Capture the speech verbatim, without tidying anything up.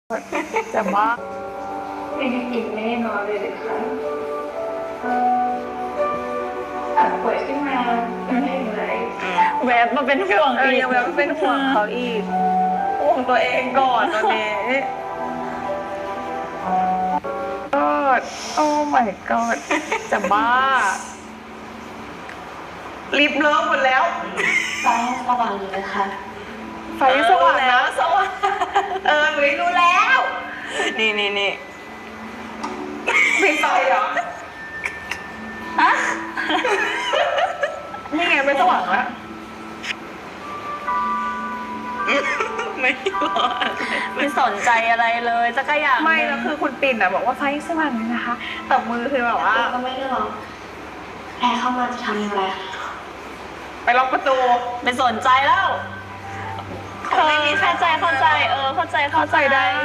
จะบ้าไม่ได้กินไม่ได้นอนเลยเลยค่ะอาจป่วยขึ้นมาไม่ได้อะไรแวบมาเป็นห่วงเอออีกยังแบบเป็นห่วงเขาอีกห่วงตัวเองก่อนตอนนี้ก็โอ้ my god จะบ้ารีบเลิกหมดแล้วไฟสว่างอยู่เลยค่ะไฟสว่างแล้วสว่างเออหนูรู้แล้วนี่นี่นี่ปิดไฟเหรอฮะนี่ไงไม่สว่างแล้วไม่รอไม่สนใจอะไรเลยจะก็อยากไม่แล้วคือคุณปิ่นอ่ะบอกว่าไฟสว่างเลยนะคะแต่มือคือแบบว่าก็ไม่ได้หรอกแอร์เข้ามาจะทำอย่างไรไปล็อกประตูไม่สนใจแล้วเธอไม่มีเข้าใจเข้าใจ เออ เข้าใจเข้าใจได้